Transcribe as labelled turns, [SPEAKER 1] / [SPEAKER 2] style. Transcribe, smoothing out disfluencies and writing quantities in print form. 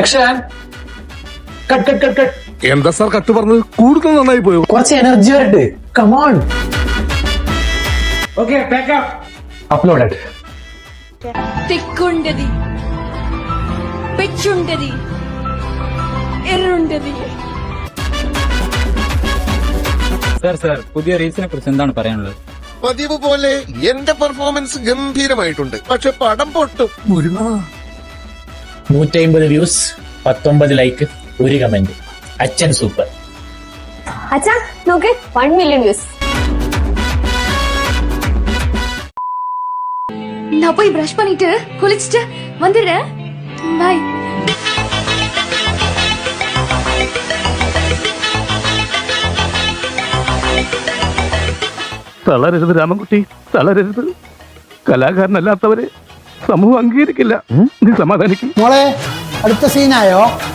[SPEAKER 1] Action cut cut cut cut.
[SPEAKER 2] എന്താ sir cut പറഞ്ഞത്? കൂടുതൽ നന്നായി പോയോ?
[SPEAKER 1] കുറച്ച് എനർജി വരട്ടെ. കമോൺ. Okay pack up. അപ്ലോഡഡ്.
[SPEAKER 3] തിക്കുണ്ടതി പെച്ചുണ്ടതി എറുണ്ടതി.
[SPEAKER 4] സാർ പുതിയ റീൽസിനെ കുറിച്ച് എന്താണ് പറയാനുള്ളത്?
[SPEAKER 2] പതിവ് പോലെ എന്റെ പെർഫോമൻസ് ഗംഭീരമായിട്ടുണ്ട്, പക്ഷെ പടം പൊട്ടും.
[SPEAKER 5] 150 വ്യൂസ്, 19 ലൈക്ക്, 1 കമന്റ്. അച്ഛൻ സൂപ്പർ.
[SPEAKER 6] അച്ഛാ നോക്ക് 1 മില്യൺ വ്യൂസ്.
[SPEAKER 3] நான் போய் பிரஷ் பண்ணிட்டு குளிச்சிட்டு வந்துடுறேன். பாய்.
[SPEAKER 2] തളരരുത് രാമൻകുട്ടി, തളരരുത്. കലാകാരനല്ലാത്തവരെ സമൂഹം അംഗീകരിക്കില്ല. നീ സമാധാനിക്കും
[SPEAKER 7] മോളെ അടുത്ത സീനായോ?